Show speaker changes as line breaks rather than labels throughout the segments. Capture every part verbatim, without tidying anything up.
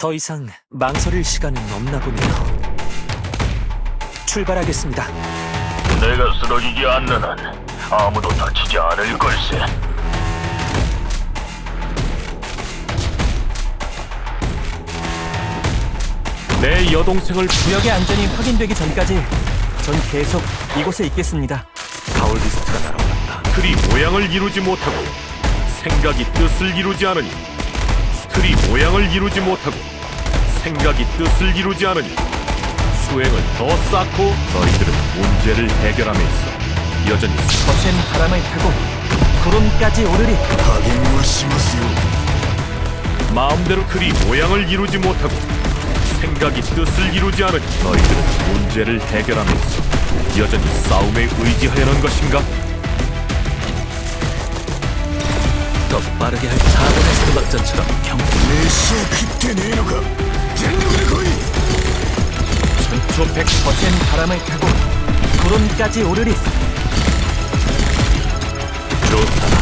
더 이상 망설일 시간은 없나 보네요. 출발하겠습니다.
내가 쓰러지지 않는 한 아무도 다치지 않을 걸세.
내 여동생을
구역의 안전이 확인되기 전까지 전 계속 이곳에 있겠습니다.
가올리스트가 날아왔다. 틀이 모양을 이루지 못하고 생각이 뜻을 이루지 않으니 틀이 모양을 이루지 못하고 생각이 뜻을 이루지 않으니 수행을 더 쌓고 너희들은 문제를 해결함에 있어 여전히
거센 바람을 타고 구름까지 오르리.
마음대로 틀이 모양을 이루지 못하고 생각이 뜻을 이루지 않으니 너희들은 문제를 해결함에 있어 여전히 싸움에 의지하려는 것인가?
더 빠르게 할 사번의 삼박전처럼 경
천초백
거센 바람을 타고 구름까지 오르리.
좋다.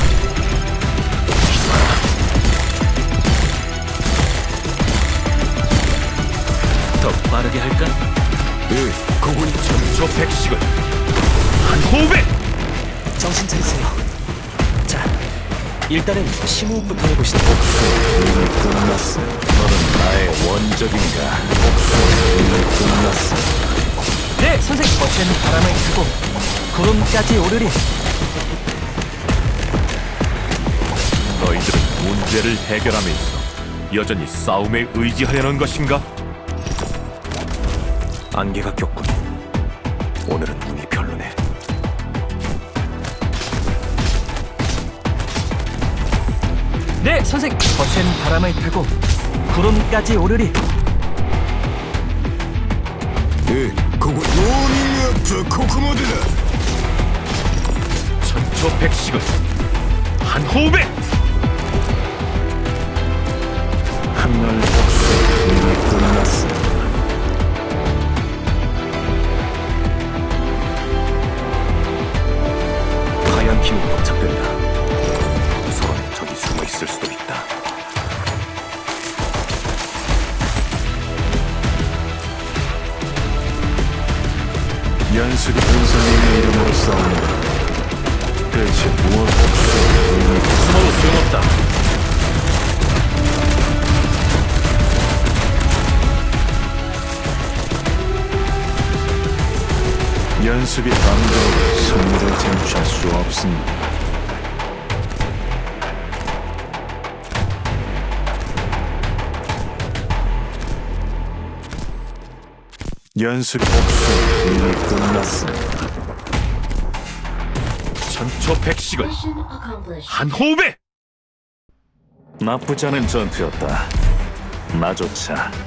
더 빠르게 할까?
네, 그군 천초백식을 한 호흡에
정신 차리세요. 자, 일단은 심호흡부터 해보시죠.
이미 끝났어. 너는 나의 원적인가? 이미 끝났어.
네, 선생님. 거센 바람을 타고 구름까지 오르리.
너희들은 문제를 해결함에 있어 여전히 싸움에 의지하려는 것인가? 안개가 꼈군. 오늘은 눈이 별로네.
네, 선생님. 거센 바람을 타고 구름까지 오르리.
천초백식을 한 호흡에 한날 복수 이미 끝났어. 하얀 힘이 포착된다. 서로의 적이 숨어 있을 수도 있다. 연습이 본선님의 이름으로 싸운다. 대체 무엇 없어? 숨어도 소용없다. 연습이 방도 승리를 쟁취할 수 없습니다. 연습 복수 이미 끝났습니다. 천초백식을 한 호흡에! 나쁘지 않은 전투였다. 나조차